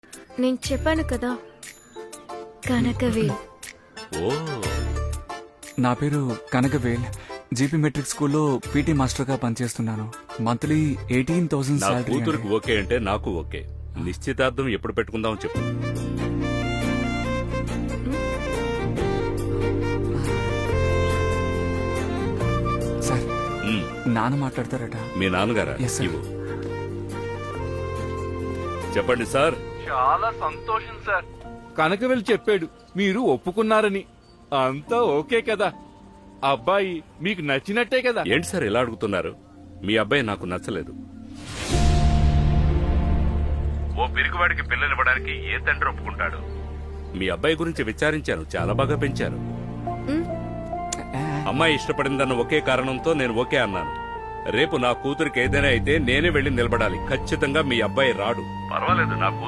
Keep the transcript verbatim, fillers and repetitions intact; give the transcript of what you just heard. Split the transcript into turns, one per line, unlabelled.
నేను చెప్పాను కదా, కనకవేల్.
ఓ,
నా పేరు కనకవేల్. జీపీ మెట్రిక్ స్కూల్లో పీటీ మాస్టర్ గా పనిచేస్తున్నాను. మంత్లీ ఎయిటీన్ థౌసండ్
నా
శాలరీ.
కూతురికి ఓకే అంటే నాకు ఓకే. నిశ్చితార్థం ఎప్పుడు పెట్టుకుందాం చెప్పు.
సార్,
ఉమ్,
నాన్న మాట్లాడతారట.
మీ నాన్నగారా?
Yes, sir.
ఇవ్వు. చెప్పండి సార్.
చాలా సంతోషం సార్. కనకవేల్ చెప్పాడు మీరు ఒప్పుకున్నారని. అంతా ఓకే కదా? అబ్బాయి మీకు నచ్చినట్టే కదా?
ఏంటి సార్ ఇలా అడుగుతున్నారు? మీ అబ్బాయి నాకు నచ్చలేదు. ఓ పిరికివాడికి పిల్లనివ్వడానికి ఏ తండ్రి ఒప్పుకుంటాడు? మీ అబ్బాయి గురించి విచారించాను, చాలా బాగా పెంచారు. అమ్మాయి ఇష్టపడిందన్న ఒకే కారణంతో నేను ఓకే అన్నాను. రేపు నా కూతురికి ఏదైనా అయితే నేనే వెళ్లి నిలబడాలి. ఖచ్చితంగా మీ అబ్బాయి రాడు. పర్వాలేదు, నా